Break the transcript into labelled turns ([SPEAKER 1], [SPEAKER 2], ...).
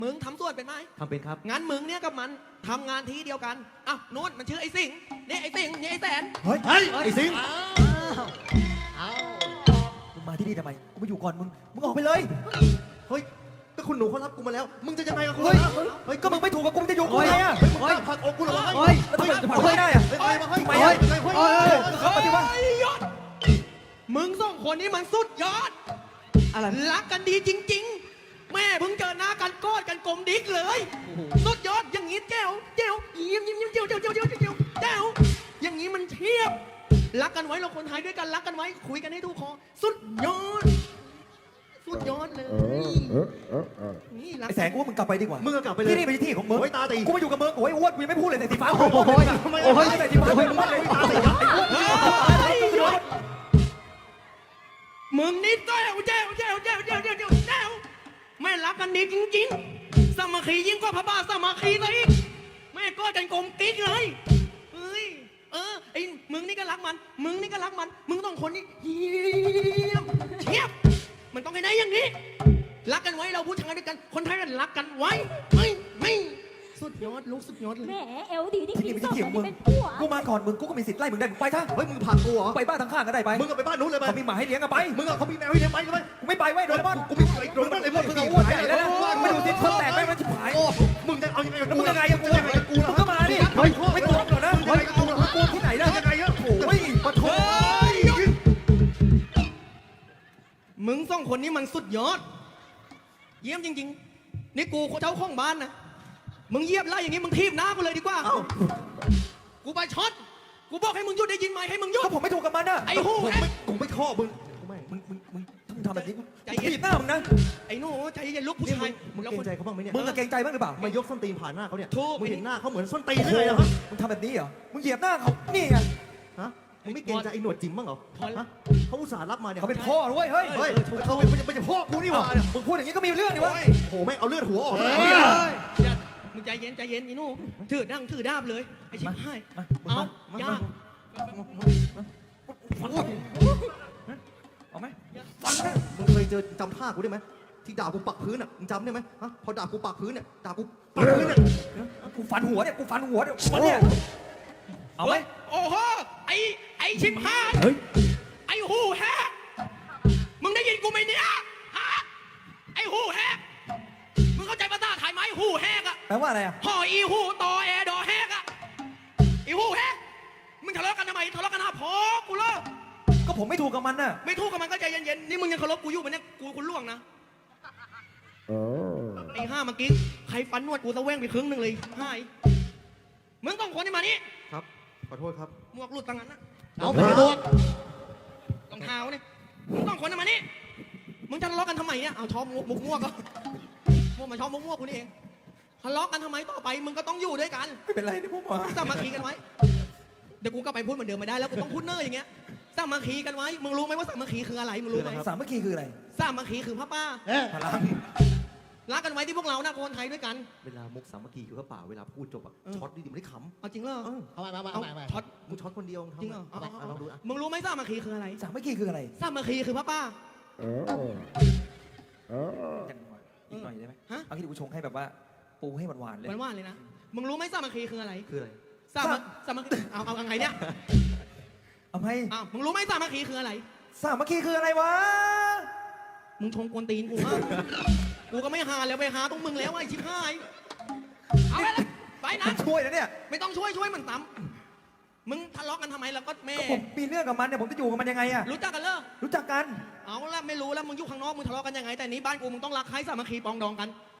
[SPEAKER 1] มึงทำส่วนเป็นไหม
[SPEAKER 2] ทำเป็นครับ
[SPEAKER 1] งั้นมึงเนี่ยกับมันทำงานทีเดียวกันอ่ะโน้นมันชื่อไอ้สิงนี่ไอ้สิงนี่ไอ้แสน
[SPEAKER 2] เฮ้ยไอ้สิงมึงมาที่นี่ทำไมกูมาอยู่ก่อนมึงออกไปเลยเฮ้ยก็คุณหนูเขารับกูมาแล้วมึงจะยังไงกับกูเฮ้ยก็มึงไม่ถูกกับกูจะอยู่กูไงอ่ะมึงกล้าผลักอกกูเหรอเฮ้ยแล้วทำไมจะผลักไม่ได้อ่ะทำไมปฏิวัติ
[SPEAKER 1] มึงสองคนนี้มันสุดยอดอะไรรักกันดีจริงๆแม่เพิ่งเจอหน้ากันกอดกันกลมดิ๊กเลยสุดยอดอย่างนี้แจ๋วยิ้มเจ๋วอย่างนี้มันเทียบรักกันไว้เราคนไทยด้วยกันรักกันไว้คุยกันให้ถูกคอสุดยอดเลยนี่รัก
[SPEAKER 2] ไอ้แสงกูว่ามึงกลับไปดีกว่า
[SPEAKER 3] มึงกลับไปเลย
[SPEAKER 2] ที่นี่เป็นที่ของมึง
[SPEAKER 3] โอ้ยตาตี
[SPEAKER 2] กูมาอยู่กับมึงโอ้ยอ้วนกูยังไม่พูดเลยแต่สีฟ้าโอ้ยแต่สีฟ้าโอ้ยมึงเลยตาตี
[SPEAKER 1] มึงนี่แจ๋วแม่รักกันดีจริงๆสามัคคียิ่งกว่าพระบาทสามัคคีเลยแม่ก็กันกลมกิ๊กเลยไอ้มึงนี่ก็รักมันมึงต้องคนนี้เทียบมันต้องให้ได้อย่างนี้รักกันไว้เราผู้ชายด้วยกันคนไทยกันรักกันไว้ไม่สุดยอดลูกสุดยอดเลย
[SPEAKER 4] แหมเอลดีที่
[SPEAKER 2] ที่นี่เป็นที่ของมึง
[SPEAKER 4] เป็นผัว
[SPEAKER 2] กูมาก่อนมึงกูก็มีสิทธิ์ไล่มึงได้มึงไปซะ
[SPEAKER 3] เฮ้ยมึงผลักกูเหรอ
[SPEAKER 2] ไปบ้านทางข้างก็ได้ไป
[SPEAKER 3] มึงก็ไปบ้านนู้นเลยไป
[SPEAKER 2] เขามีหมาให้เลี้ยงกันไป
[SPEAKER 3] มึงเขามีแมวให้เลี้ยงไปเลย
[SPEAKER 2] กูไม่ไปเว้ยโดนบ้าน
[SPEAKER 3] กูมีไอ้โดนบ้านไอ้พวกมึง
[SPEAKER 2] อ้วนใหญ่แล้วนะไม่ดูสิเพิ่มแตกไปมันชิบหาย
[SPEAKER 3] มึงจะเอายังไง
[SPEAKER 2] มึงยังไงอะกูยังไงกูก็มาดิไม่ตัวหรอกนะกูที่ไหนล่ะ
[SPEAKER 3] ยังไงอะ
[SPEAKER 2] โอ้ยปะโถ
[SPEAKER 1] มึงสองคนนี้มันสุดยอดเยี่ยมจริงๆนี่กูเจ้าของบ้านนะมึงเยียบไล่อย่างนี้มึงทีบหน้ากูเลยดีกว่ากูไปช็อตกูบอกให้มึงหยุดได้ยินไหมให้มึงหยุด
[SPEAKER 2] ก็ผมไม่ถูกกับมันนะ
[SPEAKER 1] ไอ้หู
[SPEAKER 3] กูไม่ข้อมึง
[SPEAKER 2] ทำแบบนี้กูถีบหน้ามึงนะ
[SPEAKER 1] ไอ้หนูใจเย็นลูกผู้ชาย
[SPEAKER 3] มึงเกรงใจเขาบ้างไหมเนี่ย
[SPEAKER 2] มึงเกรงใจบ้างหรือเปล่าม
[SPEAKER 3] ายกส้นตีนผ่านหน้าเขาเนี่ย
[SPEAKER 1] ถูก
[SPEAKER 3] มึงเห็นหน้าเขาเหมือนส้นตีนเลยเหรอ
[SPEAKER 2] มึงทำแบบนี้เหรอมึงเหยียบหน้าเขานี่ไง
[SPEAKER 3] ฮะมึงไม่เกรงใจไอ้หนวดจิ๋มบ้างเหรอฮะเขาอุตส่าห์รับมาเนี่ย
[SPEAKER 2] เขาเป็นพ่อด้วยเฮ้ย
[SPEAKER 3] เขาเป็นพ่อกูนี่หว่า
[SPEAKER 2] มึงพูดอย่างนี้ก็มีเรื่องดิวะ
[SPEAKER 3] โหแม่งเอาเลือดหัวออกเลย
[SPEAKER 1] มึงใจเย็นอีนู่ถือดาบเลยไอ้ชิบหายเอาย่า
[SPEAKER 2] เอาไหม
[SPEAKER 3] มึงเคยเจอจำท่ากูได้ไหมที่ด่ากูปักพื้นอ่ะมึงจำได้ไหมฮะพอด่ากูปักพื้นเนี่ยด่ากูปักพื้นเนี่ย
[SPEAKER 2] กูฟันหัวเนี่ยมันเนี่ยเอาไหม
[SPEAKER 1] โอ้โหไอ้ชิบหายไอ้หูแฮกมึงได้ยินกูไหมเนี่ยฮะไอ้หูแฮกมึงเข้าใจภาษาไทยไหมหูแฮกอะ
[SPEAKER 2] แปลว่าอะไรอะ
[SPEAKER 1] หออีหูตอแอดอแฮกอะอีหูแฮกมึงทะเลาะกันทำไมทะเลาะกันหาพอกูเลิก
[SPEAKER 2] ก็ผมไม่ถูกกับมันน่ะ
[SPEAKER 1] ไม่ถูกกับมันก็ใจเย็นๆนี่มึงยังเคารพกูอยู่ไหมเนี่ยกูคุณล่วงนะไอ้ห้าเมื่อกี้ใครฟันนวดกูตะแว่งไปครึ่งหนึ่งเลยหายมึงต้องคนที่มานี่
[SPEAKER 3] ครับขอโทษครับ
[SPEAKER 1] หมวกหลุดตั้งนั้นนะเอาไปหมวกรองเท้าเนี่ยมึงต้องคนที่มานี่มึงจะทะเลาะกันทำไมเนี่ยเอาชอบมุกมั่วก็มั่วมาชอบมุกมั่วกูนี่เองทะเลาะกันทำไมต่อไปมึงก็ต้องอยู่ด้วยกัน
[SPEAKER 2] ไม่เป็นไรนะพวกมึง
[SPEAKER 1] สามัคคีกันไว้เดี๋ยวกูก็ไปพูดเหมือนเดิมไม่ได้แล้วกูต้องพูดเนอร์อย่างเงี้ยสามัคคีกันไว้มึงรู้ไหมว่าสามัคคีคืออะไรมึงรู้ไหม
[SPEAKER 2] สามัคคีคืออะไร
[SPEAKER 1] สามัคคีคือพระป้า
[SPEAKER 2] พลัง
[SPEAKER 1] รักกันไว้ที่พวกเรานะคนไทยด้วยกัน
[SPEAKER 3] เวลามุกสามัคคีคือพระป่าเวลาพูดจบอะช็อตดิไม่ได้ขำ
[SPEAKER 1] เอาจริงเหรอ
[SPEAKER 3] เอาช็อตมึงช็อตคนเดียว
[SPEAKER 1] จริงเหรอ
[SPEAKER 3] ลองดู
[SPEAKER 1] มึงรู้ไหมสามัคคีคืออะไร
[SPEAKER 2] สามัคคีคืออะไร
[SPEAKER 1] สามัคคีคือพระป้า
[SPEAKER 2] อีกหน่อยได้ไหมเอาที่กูชงให้แบบว่าปูให้หวานๆเลย
[SPEAKER 1] หวานๆเลยนะมึงรู้ไหมสามัคคีคืออะไรสามัคคีเอาไงเนี่ย
[SPEAKER 2] เอาไหม
[SPEAKER 1] มึงรู้ไหมสามัคคีคืออะไร
[SPEAKER 2] สามัคคีคืออะไรวะ
[SPEAKER 1] มึงชงกวนตีนกูกูก็ไม่หาแล้วไปหาตรงมึงแล้วไอ้ชิบหายเอาไปนะ
[SPEAKER 2] ช่วยนะเนี่ย
[SPEAKER 1] ไม่ต้องช่วยมันตำมึงทะเลาะกันทำไมแล้วก็แม่
[SPEAKER 2] ผมมีเรื่องกับมันเนี่ยผมจะอยู่กับมันยังไงอะ
[SPEAKER 1] รู้จักกันเหรอ
[SPEAKER 2] รู้จักกัน
[SPEAKER 1] เอาละไม่รู้แล้วมึงอยู่ข้างนอกมึงทะเลาะกันยังไงแต่นี้บ้านกูมึงต้องรักใครสามัคคีปองดองกัน